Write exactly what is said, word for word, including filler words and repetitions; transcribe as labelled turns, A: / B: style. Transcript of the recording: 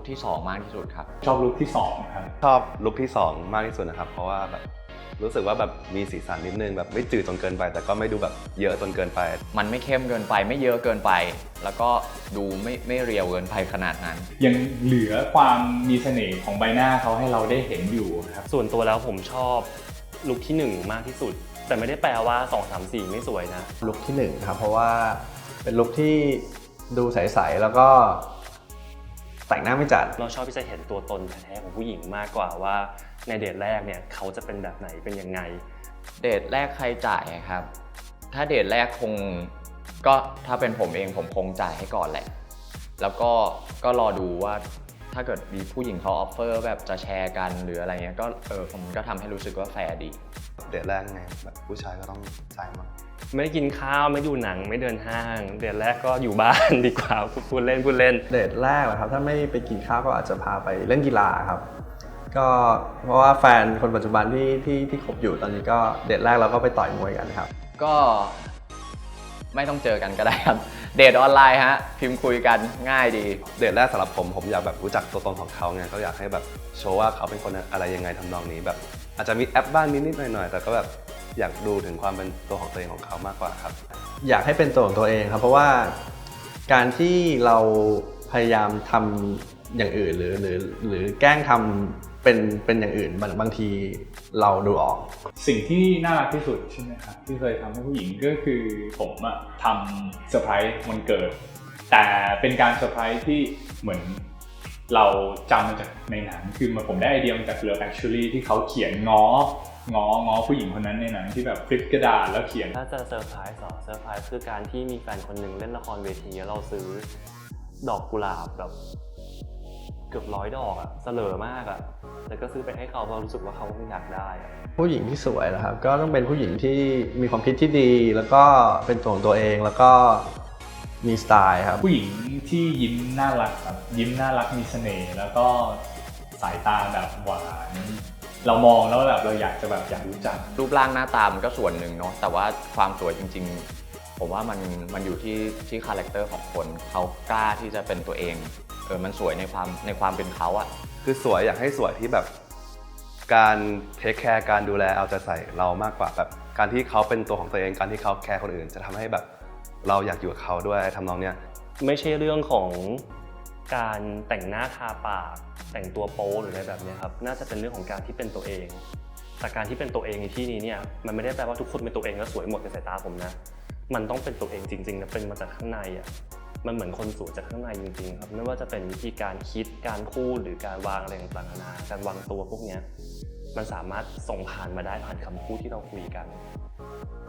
A: ที่สองมากที่สุดครับ
B: ชอบลุคที่สองครับ
C: ชอบลุคที่สองมากที่สุดนะครับเพราะว่าแบบรู้สึกว่าแบบมีสีสันนิดนึงแบบไม่จืดจนเกินไปแต่ก็ไม่ดูแบบเยอะจนเกินไป
A: มันไม่เข้มเกินไปไม่เยอะเกินไปแล้วก็ดูไม่ไม่เรียวเกินไปขนาดนั้น
B: ยังเหลือความมีเสน่ห์ของใบหน้าเขาให้เราได้เห็นอยู่ครับ
D: ส่วนตัวแล้วผมชอบลุคที่หนึ่งมากที่สุดแต่ไม่ได้แปลว่าสอง สาม สี่ไม่สวยนะ
E: ลุคที่หนึ่งครับเพราะว่าเป็นลุคที่ดูใสๆแล้วก็แต่งหน้าไม่จัด
D: เราชอบที่จะเห็นตัวตนแท้ๆของผู้หญิงมากกว่าว่าในเดทแรกเนี่ยเขาจะเป็นแบบไหนเป็นยังไง
A: เดทแรกใครจ่ายครับถ้าเดทแรกคงก็ถ้าเป็นผมเองผมคงจ่ายให้ก่อนแหละแล้วก็ก็รอดูว่าถ้าเกิดมีผู้หญิงเขาออฟเฟอร์แบบจะแชร์กันหรืออะไรเงี้ยก็เออผมก็ทำให้รู้สึกว่าแฟร์ดี
C: เดทแรกไงแบบผู้ชายก็ต้องจ่ายมั้ง
D: ไม่ได้กินข้าวไม่ดูหนังไม่เดินห้างเดทแรกก็อยู่บ้านดีกว่าพูดเล่นพูดเล่น
E: เดทแรกเหรอครับถ้าไม่ไปกินข้าวก็อาจจะพาไปเล่นกีฬาครับก็เพราะว่าแฟนคนปัจจุบันที่ที่ที่คบอยู่ตอนนี้ก็เดทแรกเราก็ไปต่อยมวยกันครับ
A: ก็ไม่ต้องเจอกันก็ได้ครับเดทออนไลน์ฮะพิมพ์คุยกันง่ายดี
C: เดทแรกสำหรับผมผมอยากแบบรู้จักตัวตนของเขาไงก็อยากให้แบบโชว์ว่าเขาเป็นคนอะไรยังไงทำนองนี้แบบอาจจะมีแอปบ้างนิดๆหน่อยๆแต่ก็แบบอยากดูถึงความเป็นตัวของตัวเองของเขามากกว่าครับ
E: อยากให้เป็นตัวของตัวเองครับเพราะว่าการที่เราพยายามทำอย่างอื่นหรือหรือหรือแกล้งทำเป็นเป็นอย่างอื่นบางบางทีเราดูออก
B: สิ่งที่น่ารักที่สุดใช่ไหมครับที่เคยทำให้ผู้หญิงก็คือผมอะทำเซอร์ไพรส์วันเกิดแต่เป็นการเซอร์ไพรส์ที่เหมือนเราจำมาจากในหนังคือมาผมได้ไอเดียมาจาก Love Actually ที่เขาเขียนง้อง้อง้อผู้หญิงคนนั้นในหนังที่แบบฟลิปกระดาษแล้วเขียน
D: ถ้าจะเซอร์ไพรส์หรอเซอร์ไพรส์คือการที่มีแฟนคนหนึ่งเล่นละครเวทีแล้วเราซื้อดอกกุหลาบแบบเกือบร้อยดอกอะเสลอมากอะแต่ก็ซื้อไปให้เขาเพราะรู้สึกว่าเขาคงอยากได้อะ
E: ผู้หญิงที่สวยนะครับก็ต้องเป็นผู้หญิงที่มีความคิดที่ดีแล้วก็เป็นตัวของตัวเองแล้วก็มีสไตล์ครับ
B: ผู้หญิงที่ยิ้มน่ารักครับยิ้มน่ารักมีเสน่ห์แล้วก็สายตาแบบหวานเรามองแล้วแบบเราอยากจะแบบอยากรู้จัก
A: รูปร่างหน้าตามันก็ส่วนหนึ่งเนาะแต่ว่าความสวยจริงๆผมว่ามันมันอยู่ที่ที่คาแรคเตอร์ของคนเขากล้าที่จะเป็นตัวเองเออมันสวยในความในความเป็นเขาอะ
C: คือสวยอยากให้สวยที่แบบการเทคแคร์การดูแลเอาใจใส่เรามากกว่าแบบการที่เขาเป็นตัวของตัวเองการที่เขาแคร์คนอื่นจะทำให้แบบเราอยากอยู่กับเขาด้วยทำนองเนี้ย
D: ไม่ใช่เรื่องของการแต่งหน้าทาปากแต่งตัวโป๊หรืออะไรแบบนี้ครับน่าจะเป็นเรื่องของการที่เป็นตัวเองแต่การที่เป็นตัวเองในที่นี้เนี่ยมันไม่ได้แปลว่าทุกคนเป็นตัวเองแล้วสวยหมดในสายตาผมนะมันต้องเป็นตัวเองจริงๆนะเป็นมาจากข้างในอ่ะมันเหมือนคนสวยจากข้างในจริงๆครับไม่ว่าจะเป็นวิธีการคิดการพูดหรือการวางอะไรต่างๆนานาการวางตัวพวกนี้มันสามารถส่งผ่านมาได้ผ่านคำพูดที่เราคุยกัน